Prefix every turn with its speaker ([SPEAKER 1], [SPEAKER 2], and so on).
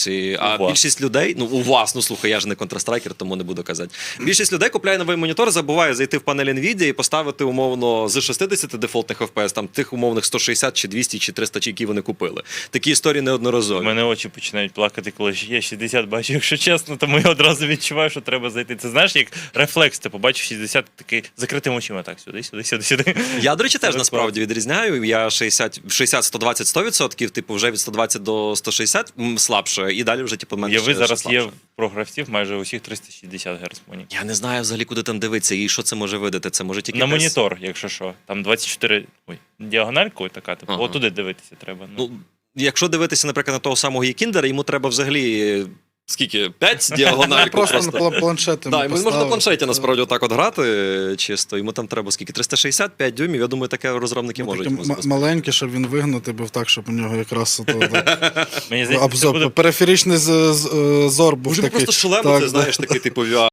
[SPEAKER 1] А більшість людей, ну у вас, ну слухай, я ж не Counter-Striker, тому не буду казати. Більшість людей купляє новий монітор, забуває зайти в панель NVIDIA і поставити умовно з 60 дефолтних FPS, там тих умовних 160 чи 200 чи 300, які вони купили. Такі історії неодноразові.
[SPEAKER 2] У мене очі починають плакати, коли я 60 бачу, якщо чесно, тому я одразу відчуваю, що треба зайти. Це знаєш, як рефлекс, ти побачив 60, такий закритими очима, так, сюди.
[SPEAKER 1] Я, до речі, теж насправді відрізняю. Я 60, 120, 100%, типу вже від 120 до 160 слабше, і далі вже типу менше.
[SPEAKER 2] Ви зараз є про гравців майже усіх 360 Гц монітор.
[SPEAKER 1] Я не знаю взагалі, куди там дивитися і що це може видати. Це може тільки
[SPEAKER 2] на монітор, якщо що. Там 24, діагональку така, типу, отуди дивитися треба.
[SPEAKER 1] Ну, якщо дивитися, наприклад, на того самого Єкіндера, йому треба взагалі скільки? 5 діагональку?
[SPEAKER 3] Просто на планшеті.
[SPEAKER 1] Так, йому можна на планшеті насправді отак от грати чисто. Йому там треба скільки? 365 дюймів, я думаю, таке розробники можуть.
[SPEAKER 3] Маленький, щоб він вигнути був так, щоб у нього якраз
[SPEAKER 2] Мені здається,
[SPEAKER 3] обзор, периферичний зор був такий.
[SPEAKER 1] Просто шлем, ти знаєш, такий типу VR.